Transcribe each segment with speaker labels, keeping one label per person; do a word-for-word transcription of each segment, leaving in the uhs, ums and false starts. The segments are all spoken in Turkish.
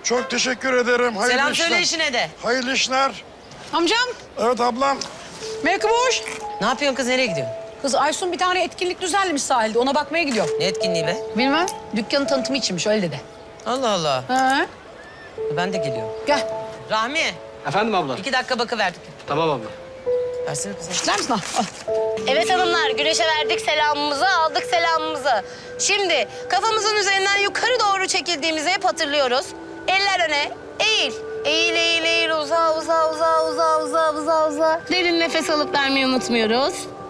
Speaker 1: Çok teşekkür ederim. Hayırlı
Speaker 2: Selam
Speaker 1: işler.
Speaker 2: söyle işine de.
Speaker 1: Hayırlı işler.
Speaker 3: Amcam,
Speaker 1: Evet ablam.
Speaker 3: Melike boş.
Speaker 2: Ne yapıyorsun kız, nereye gidiyorsun?
Speaker 3: Kız Aysun bir tane etkinlik düzenlemiş sahilde. Ona bakmaya gidiyor.
Speaker 2: Ne etkinliği be?
Speaker 3: Bilmem. Dükkanın tanıtımı içinmiş, öyle dedi.
Speaker 2: Allah Allah.
Speaker 3: Ha?
Speaker 2: Ben de geliyorum.
Speaker 3: Gel.
Speaker 2: Rahmi,
Speaker 4: Efendim abla?
Speaker 2: iki dakika bakıverdik.
Speaker 4: Tamam abla.
Speaker 2: Versene kızım.
Speaker 3: İster misin? Al. Al.
Speaker 5: Evet hanımlar, güneşe verdik selamımızı, aldık selamımızı. Şimdi kafamızın üzerinden yukarı doğru çekildiğimizi hep hatırlıyoruz. Eller öne, eğil. Eğil, eğil, eğil, uza, uza, uza, uza, uza, uza, uza. Derin nefes alıp vermeyi unutmuyoruz.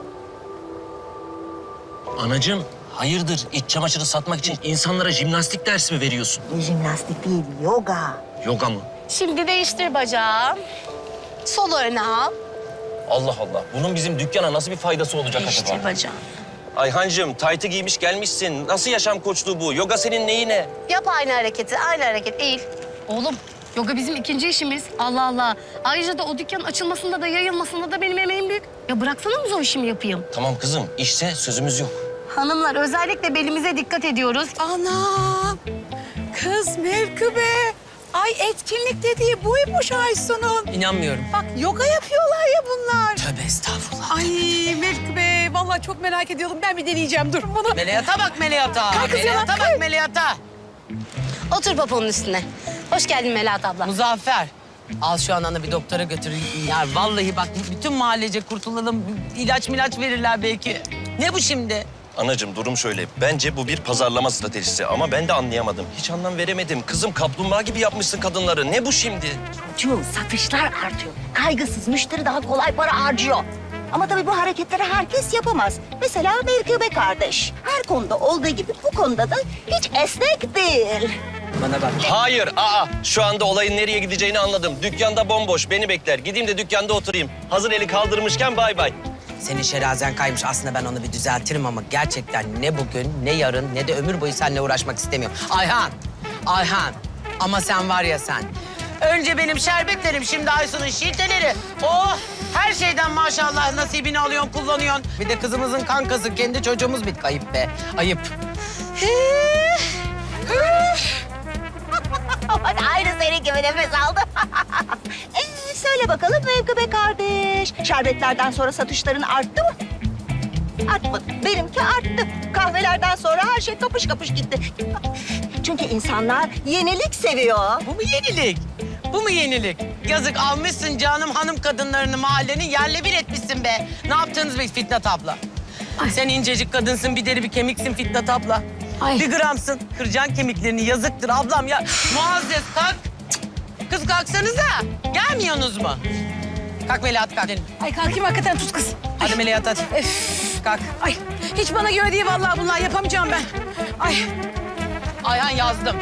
Speaker 6: Anacığım, hayırdır? İç çamaşırı satmak için insanlara jimnastik dersi mi veriyorsun?
Speaker 7: Jimnastik değil, yoga.
Speaker 6: Yoga mı?
Speaker 5: Şimdi değiştir bacağı. Sol öne al.
Speaker 6: Allah Allah. Bunun bizim dükkana nasıl bir faydası olacak
Speaker 5: Değiştir
Speaker 6: acaba?
Speaker 5: bacağı.
Speaker 6: Ayhancığım, taytı giymiş gelmişsin. Nasıl yaşam koçluğu bu? Yoga senin neyine?
Speaker 5: Yap aynı hareketi, aynı hareket. Eğil. Oğlum, yoga bizim ikinci işimiz. Allah Allah. Ayrıca da o dükkanın açılmasında da yayılmasında da benim emeğim büyük. Ya bıraksana mı o işimi yapayım?
Speaker 6: Tamam kızım, işse sözümüz yok.
Speaker 5: Hanımlar özellikle belimize dikkat ediyoruz.
Speaker 8: Anam! Kız Melkübe! Ay etkinlik dediği buymuş Aysun'un.
Speaker 2: İnanmıyorum.
Speaker 8: Bak yoga yapıyorlar ya bunlar.
Speaker 2: Tövbe estağfurullah.
Speaker 8: Ay Melkübe vallahi çok merak ediyordum. Ben bir deneyeceğim dur bunu.
Speaker 2: Meleyata bak Meleyata.
Speaker 8: Kalk kız
Speaker 2: Meleyata
Speaker 8: yana,
Speaker 2: bak
Speaker 8: kalk.
Speaker 2: Meleyata.
Speaker 5: Otur poponun üstüne. Hoş geldin Melahat abla.
Speaker 2: Muzaffer. Al şu ananı bir doktora götür. Ya vallahi bak bütün mahallece kurtulalım. İlaç milaç verirler belki. Ne bu şimdi?
Speaker 6: Anacığım durum şöyle. Bence bu bir pazarlama stratejisi ama ben de anlayamadım. Hiç anlam veremedim. Kızım kaplumbağa gibi yapmışsın kadınları. Ne bu şimdi?
Speaker 7: Çocuğum satışlar artıyor. Kaygısız müşteri daha kolay para harcıyor. Ama tabii bu hareketleri herkes yapamaz. Mesela Melkübe kardeş. Her konuda olduğu gibi bu konuda da hiç esnek değil.
Speaker 2: Bana bak.
Speaker 6: Hayır, aa. Şu anda olayın nereye gideceğini anladım. Dükkanda bomboş, beni bekler. Gideyim de dükkanda oturayım. Hazır eli kaldırmışken bay bay.
Speaker 2: Senin şerazen kaymış. Aslında ben onu bir düzeltirim ama gerçekten ne bugün, ne yarın, ne de ömür boyu seninle uğraşmak istemiyorum. Ayhan, Ayhan. Ama sen var ya sen. Önce benim şerbetlerim, şimdi Aysun'un şilteleri. Oh, her şeyden maşallah nasibini alıyorsun, kullanıyorsun. Bir de kızımızın kankası, kendi çocuğumuz bir kayıp be. Ayıp.
Speaker 7: Aynı senin gibi nefes aldım. ee, söyle bakalım Melkübe kardeş. Şerbetlerden sonra satışların arttı mı? Artmadı. Benimki arttı. Kahvelerden sonra her şey kapış kapış gitti. Çünkü insanlar yenilik seviyor.
Speaker 2: Bu mu yenilik? Bu mu yenilik? Yazık almışsın canım hanım kadınlarını mahallenin yerle bir etmişsin be. Ne yaptınız be Fitnat abla? Sen incecik kadınsın, bir deri bir kemiksin Fitnat abla.
Speaker 3: Ay.
Speaker 2: Bir gramsın. Kıracaksın kemiklerini, yazıktır ablam ya. Muazzez kalk. Kız kalksanıza. Gelmiyorsunuz mu? Kalk Melahat kalk. Gidelim.
Speaker 3: Ay kalkayım hakikaten tut kız.
Speaker 2: Hadi Melahat hadi.
Speaker 3: Öf.
Speaker 2: Kalk.
Speaker 3: Ay hiç bana göre değil vallahi bunlar. Yapamayacağım ben. Ay.
Speaker 2: Ayhan yazdım.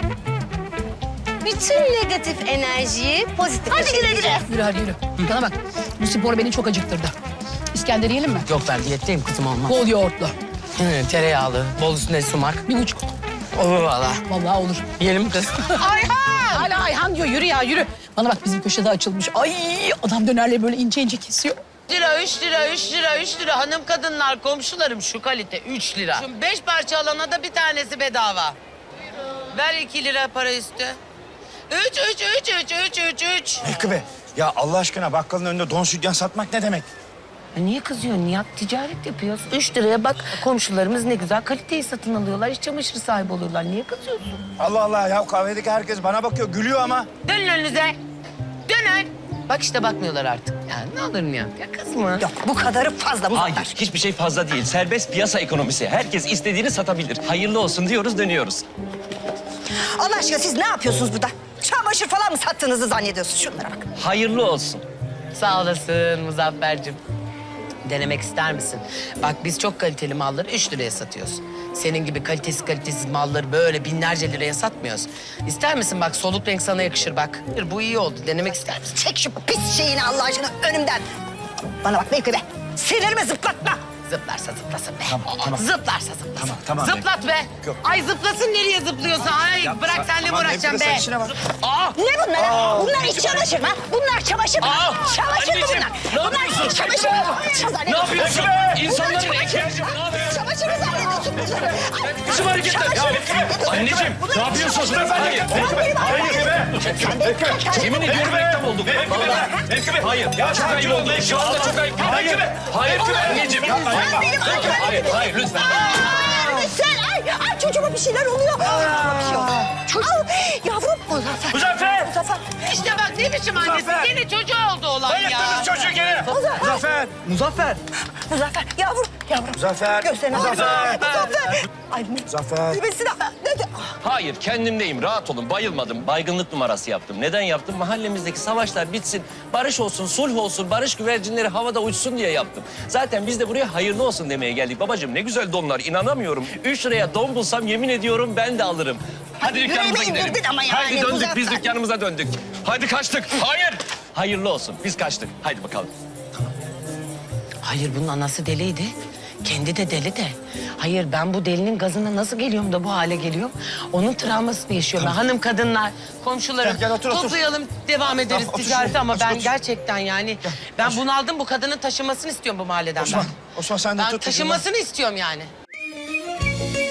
Speaker 5: Bütün negatif enerjiyi pozitif.
Speaker 7: Hadi güle güle.
Speaker 3: Yürü hadi yürü. Bana bak. Bu spor beni çok acıktırdı. İskender yiyelim mi?
Speaker 2: Yok ben diyetteyim kızım olmaz.
Speaker 3: Bol yoğurtlu.
Speaker 2: Hı, tereyağlı, bol üstüne sumak.
Speaker 3: Bir buçuk.
Speaker 2: Olur valla.
Speaker 3: Vallahi olur.
Speaker 2: Yiyelim kız. Ayhan!
Speaker 3: Hala Ayhan diyor. Yürü ya yürü. Bana bak bizim köşede açılmış. Ay adam dönerleri böyle ince ince kesiyor.
Speaker 2: Üç lira, üç lira, üç lira, üç lira. Hanım kadınlar, komşularım şu kalite üç lira. Şu beş parça alana da bir tanesi bedava. Ver iki lira para üstü. Üç, üç, üç, üç, üç, üç, üç.
Speaker 1: Melkübe, ya Allah aşkına bakkalın önünde don sütyen satmak ne demek?
Speaker 2: Niye kızıyorsun Nihat? Ticaret yapıyoruz. Üç liraya bak komşularımız ne güzel kaliteyi satın alıyorlar. İç çamaşırı sahibi oluyorlar. Niye kızıyorsun?
Speaker 1: Allah Allah ya kahvedeki herkes bana bakıyor, gülüyor ama.
Speaker 2: Dönün önünüze. Dönün. Bak işte bakmıyorlar artık. Ya ne olur Nihat? Ya kızma.
Speaker 7: Yok bu kadarı fazla mı?
Speaker 6: Hayır, hiçbir şey fazla değil. Serbest piyasa ekonomisi. Herkes istediğini satabilir. Hayırlı olsun diyoruz, dönüyoruz.
Speaker 7: Allah aşkına siz ne yapıyorsunuz burada? Çamaşır falan mı sattığınızı zannediyorsunuz? Şunlara bak.
Speaker 6: Hayırlı olsun.
Speaker 2: Sağ olasın Muzaffer'cim. Denemek ister misin? Bak biz çok kaliteli malları üç liraya satıyoruz. Senin gibi kalitesiz kalitesiz malları böyle binlerce liraya satmıyoruz. İster misin bak soluk renk sana yakışır bak. Bu iyi oldu. Denemek ister misin?
Speaker 7: Çek şu pis şeyini Allah aşkına önümden. Bana bak Melkübe. Sinirimi zıplatma.
Speaker 2: Zıplarsa zıplasın be.
Speaker 1: Tamam, tamam.
Speaker 2: Zıplarsa zıplasın.
Speaker 1: Tamam, tamam.
Speaker 2: Zıplat be.
Speaker 1: Yok.
Speaker 2: Ay zıplasın nereye zıplıyorsa. Ay bırak senle mi
Speaker 1: Tamam,
Speaker 2: uğraşacağım
Speaker 1: Nefise,
Speaker 2: be.
Speaker 1: sen işine bak.
Speaker 7: Ne bunlar? ha? Bunlar iç çamaşır mı? Bunlar çamaşır mı?
Speaker 6: Aa,
Speaker 7: Çamaşır mı
Speaker 6: anneciğim,
Speaker 7: bunlar?
Speaker 6: ne
Speaker 7: Bunlar
Speaker 6: yapıyorsun?
Speaker 7: iç çamaşır mı? Çamaşır
Speaker 6: Ne yapıyorsun? İnsanların ihtiyacı var. Ne yapıyorsun?
Speaker 7: Çamaşır mı zannediyorsun bunları? Ay,
Speaker 6: Biçim hareketler.
Speaker 7: çamaşır mı
Speaker 6: Ya,
Speaker 7: zannediyorsun?
Speaker 6: anneciğim,
Speaker 7: Bunlar
Speaker 6: ne
Speaker 7: iç
Speaker 6: yapıyorsunuz?
Speaker 7: çamaşır mı?
Speaker 6: Hayır,
Speaker 7: Sen benim arkadaşım. Sen benim arkadaşım.
Speaker 6: Yemin ediyorum reklam olduk. Vallahi. Hayır, ya çok ayıp oldu. Şu anda çok ayıp. Hayır, hayır, anneciğim.
Speaker 7: Sen benim arkadaşım.
Speaker 6: Hayır, hayır, lütfen.
Speaker 7: Ay, sen, ay, ay çocuğuma bir şeyler oluyor. Çocuğuma bir şey oluyor. Çocuğum, yavrum. Muzaffer.
Speaker 1: Muzaffer!
Speaker 7: Muzaffer.
Speaker 2: İşte bak ne biçim annesi.
Speaker 1: Muzaffer.
Speaker 2: Yine çocuğu oldu olan ya.
Speaker 1: Bayılttınız çocuğu gene. Muzaffer!
Speaker 4: Muzaffer.
Speaker 7: Muzaffer, yavrum, yavrum.
Speaker 1: Muzaffer!
Speaker 7: Gösterine bak.
Speaker 1: Muzaffer!
Speaker 7: Muzaffer. Ay,
Speaker 1: Muzaffer!
Speaker 7: Mübessir abla, ne de-
Speaker 6: Hayır, kendimdeyim. Rahat olun. Bayılmadım. Baygınlık numarası yaptım. Neden yaptım? Mahallemizdeki savaşlar bitsin. Barış olsun, sulh olsun, barış güvercinleri havada uçsun diye yaptım. Zaten biz de buraya hayırlı olsun demeye geldik. Babacığım ne güzel donlar. İnanamıyorum. Üç liraya don bulsam yemin ediyorum ben de alırım. Hadi
Speaker 7: Hadi
Speaker 6: dükkanımıza
Speaker 7: yüreğime
Speaker 6: gidelim.
Speaker 7: indirdin ama yani,
Speaker 6: Hadi döndük,
Speaker 7: Muzaffer.
Speaker 6: biz dükkanımıza döndük. Hadi kaçtık. Hayır. Hayırlı olsun. Biz kaçtık. Haydi bakalım.
Speaker 2: Hayır bunun anası deliydi. Kendi de deli de. Hayır ben bu delinin gazına nasıl geliyorum da bu hale geliyorum? Onun travmasını yaşıyorum. ben. Hanım kadınlar, komşularım
Speaker 1: Gel, gel, otur, otur.
Speaker 2: toplayalım devam ederiz
Speaker 1: Tamam, otur
Speaker 2: ticarete
Speaker 1: şuraya,
Speaker 2: ama
Speaker 1: otur,
Speaker 2: ben
Speaker 1: otur.
Speaker 2: gerçekten yani ben bunaldım bu kadının taşınmasını istiyorum bu mahalleden
Speaker 1: Osman,
Speaker 2: ben.
Speaker 1: Osman sen de
Speaker 2: Ben
Speaker 1: tut.
Speaker 2: taşınmasını istiyorum yani.